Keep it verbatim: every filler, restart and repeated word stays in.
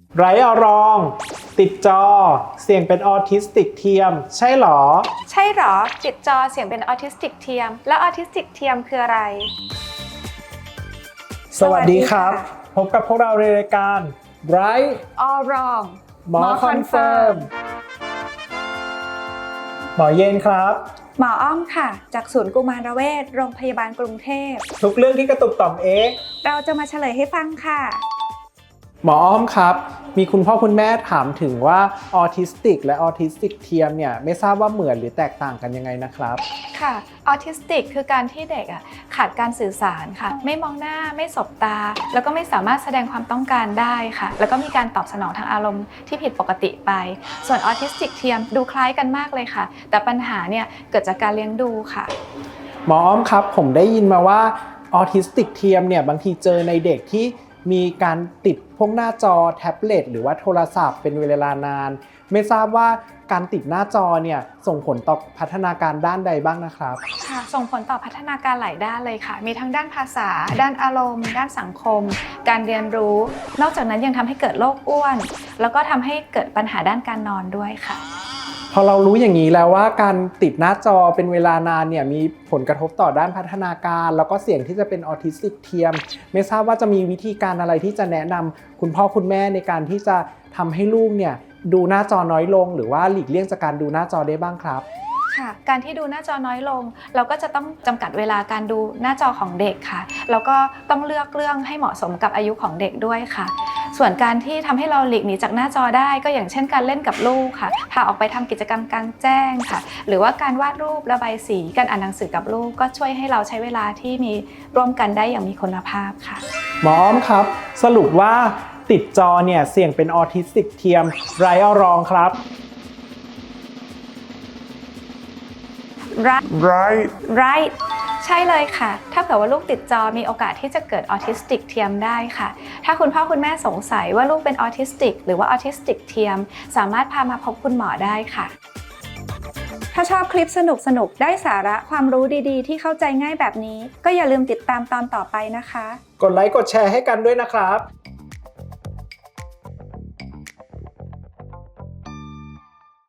ไร้อารมณ์ติดจอเสี่ยงเป็นออทิสติกเทียมใช่หรอใช่หรอติดจอเสี่ยงเป็นออทิสติกเทียมแล้วออทิสติกเทียมคืออะไรสวัสดีครับพบกับพวกเราในรายการ Right All Wrong หมอคอนเฟิร์มหมอเย็นครับหมออ้อมค่ะจากศูนย์กุมารเวชโรงพยาบาลกรุงเทพทุกเรื่องที่กระตุกต่อมเอ๊ะเราจะมาเฉลยให้ฟังค่ะหมออ้อมครับมีคุณพ่อคุณแม่ถามถึงว่าออทิสติกและออทิสติกเทียมเนี่ยไม่ทราบว่าเหมือนหรือแตกต่างกันยังไงนะครับค่ะออทิสติกคือการที่เด็กอ่ะขาดการสื่อสารค่ะไม่มองหน้าไม่สบตาแล้วก็ไม่สามารถแสดงความต้องการได้ค่ะแล้วก็มีการตอบสนองทางอารมณ์ที่ผิดปกติไปส่วนออทิสติกเทียมดูคล้ายกันมากเลยค่ะแต่ปัญหาเนี่ยเกิดจากการเลี้ยงดูค่ะหมออ้อมครับผมได้ยินมาว่าออทิสติกเทียมเนี่ยบางทีเจอในเด็กที่มีการติดพวกหน้าจอแท็บเล็ตหรือว่าโทรศัพท์เป็นเวลานานไม่ทราบว่าการติดหน้าจอเนี่ยส่งผลต่อพัฒนาการด้านใดบ้างนะครับค่ะส่งผลต่อพัฒนาการหลายด้านเลยค่ะมีทั้งด้านภาษาด้านอารมณ์ด้านสังคมการเรียนรู้นอกจากนั้นยังทำให้เกิดโรคอ้วนแล้วก็ทำให้เกิดปัญหาด้านการนอนด้วยค่ะพอเรารู้อย่างนี้แล้วว่าการติดหน้าจอเป็นเวลานานเนี่ยมีผลกระทบต่อด้านพัฒนาการแล้วก็เสี่ยงที่จะเป็นออทิสติกเทียมไม่ทราบว่าจะมีวิธีการอะไรที่จะแนะนำคุณพ่อคุณแม่ในการที่จะทำให้ลูกเนี่ยดูหน้าจอน้อยลงหรือว่าหลีกเลี่ยงจากการดูหน้าจอได้บ้างครับค่ะการที่ดูหน้าจอน้อยลงเราก็จะต้องจำกัดเวลาการดูหน้าจอของเด็กค่ะแล้วก็ต้องเลือกเรื่องให้เหมาะสมกับอายุของเด็กด้วยค่ะส่วนการที่ทำให้เราหลีกหนีจากหน้าจอได้ก็อย่างเช่นการเล่นกับลูกค่ะพาออกไปทำกิจกรรมกลางแจ้งค่ะหรือว่าการวาดรูประบายสีการอ่านหนังสือกับลูกก็ช่วยให้เราใช้เวลาที่มีร่วมกันได้อย่างมีคุณภาพค่ะหมออ้อมครับสรุปว่าติดจอเนี่ยเสี่ยงเป็นออทิสติกเทียมไร้เอารองครับ right right right ใช่เลยค่ะถ้าเผื่อว่าลูกติดจอมีโอกาสที่จะเกิดออทิสติกเทียมได้ค่ะถ้าคุณพ่อคุณแม่สงสัยว่าลูกเป็นออทิสติกหรือว่าออทิสติกเทียมสามารถพามาพบคุณหมอได้ค่ะถ้าชอบคลิปสนุกๆได้สาระความรู้ดีๆที่เข้าใจง่ายแบบนี้ก็อย่าลืมติดตามตอนต่อไปนะคะกดไลค์กดแชร์ให้กันด้วยนะครับ